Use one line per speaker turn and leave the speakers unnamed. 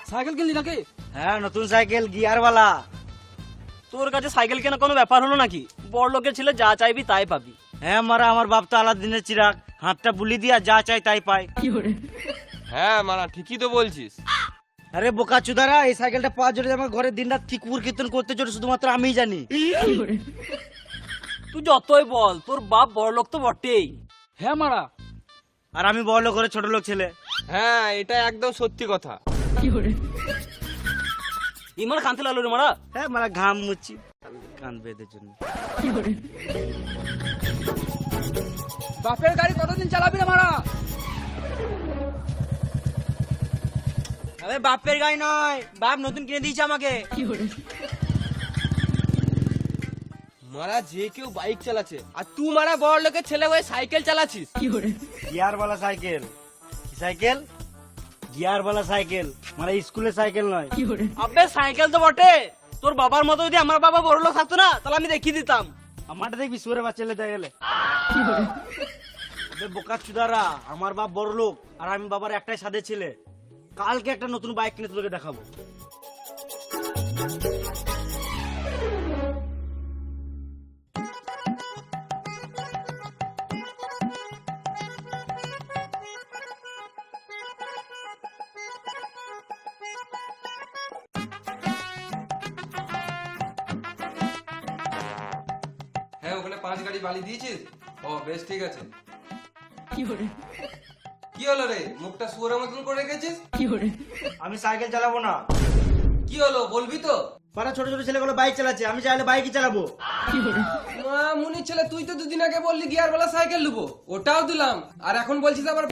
Cycle কিনলি নাকি?
হ্যাঁ, নতুন সাইকেল গিয়ারওয়ালা।
তোর কাছে সাইকেল কেনা কোনো ব্যাপার হলো নাকি? বড় লোকের ছেলে যা চাইবি তাই পাবি।
হ্যাঁ মারা, আমার বাপ তো আলাদিনের চিরাগ, হাতটা বুলি দিয়া যা চাই তাই পায়।
হ্যাঁ মারা, ঠিকই তো বলছিস।
আরে বোকা চুদারা, এই সাইকেলটা পাওয়ার জন্য আমার ঘরে দিনরাত কি কুকুর কীর্তন করতে চলে শুধুমাত্র আমিই জানি।
তুই যতই বল, তোর বাপ বড় লোক তো বটেই।
হ্যাঁ মারা।
আর আমি বড় লোক ঘরে ছোট লোক ছেলে।
হ্যাঁ, এটা একদম সত্যি কথা।
ইমান খানতে লাগলো রে মারা।
হ্যাঁ মারা, ঘাম মুচ্ছি কান বেঁধে জন্য।
বাপের গাড়ি কতদিন চালাবি রে মারা?
আরে বাপের গাড়ি নয়, বাপ নতুন কিনে দিয়েছে আমাকে।
মারা, যে কেউ বাইক চালাচ্ছে আর তুই মারা বড় লোকের ছেলে হয়ে সাইকেল চালাচ্ছিস।
গিয়ারওয়ালা সাইকেল। কি সাইকেল? গিয়ারওয়ালা সাইকেল, মানে স্কুলের সাইকেল নয়।
আবে সাইকেল তো বটে, তোর বাবার মতো যদি আমার বাবা বড় লোক থাকতো না তাহলে আমি দেখিয়ে দিতাম।
আমারটা দেখবি সুরে বাচ্চা লেতে গেলে। আবে বোকা চুদারা, আমার বাপ বড় লোক আর আমি বাবার একটাই সাদে ছেলে। কালকে একটা নতুন বাইক কিনে তোকে দেখাবো।
হ্যাঁ, ওখানে 5 গাড়ি বালি দিয়েছিস? ও বেশ, ঠিক আছে। কি হলো রে, মুখটা শুয়োরের মতন করে রেখেছিস?
আমি সাইকেল চালাবো না।
কি হলো বলবি তো?
পাড়া ছোট ছোট ছেলেগুলো বাইক চালাচ্ছে, আমি চাইলে বাইকই চালাবো।
মা মুনির ছেলে, তুই তো দুদিন আগে বললি গিয়ারওয়ালা সাইকেল নেবো, ওটাও দিলাম। আর এখন বলছিস আবার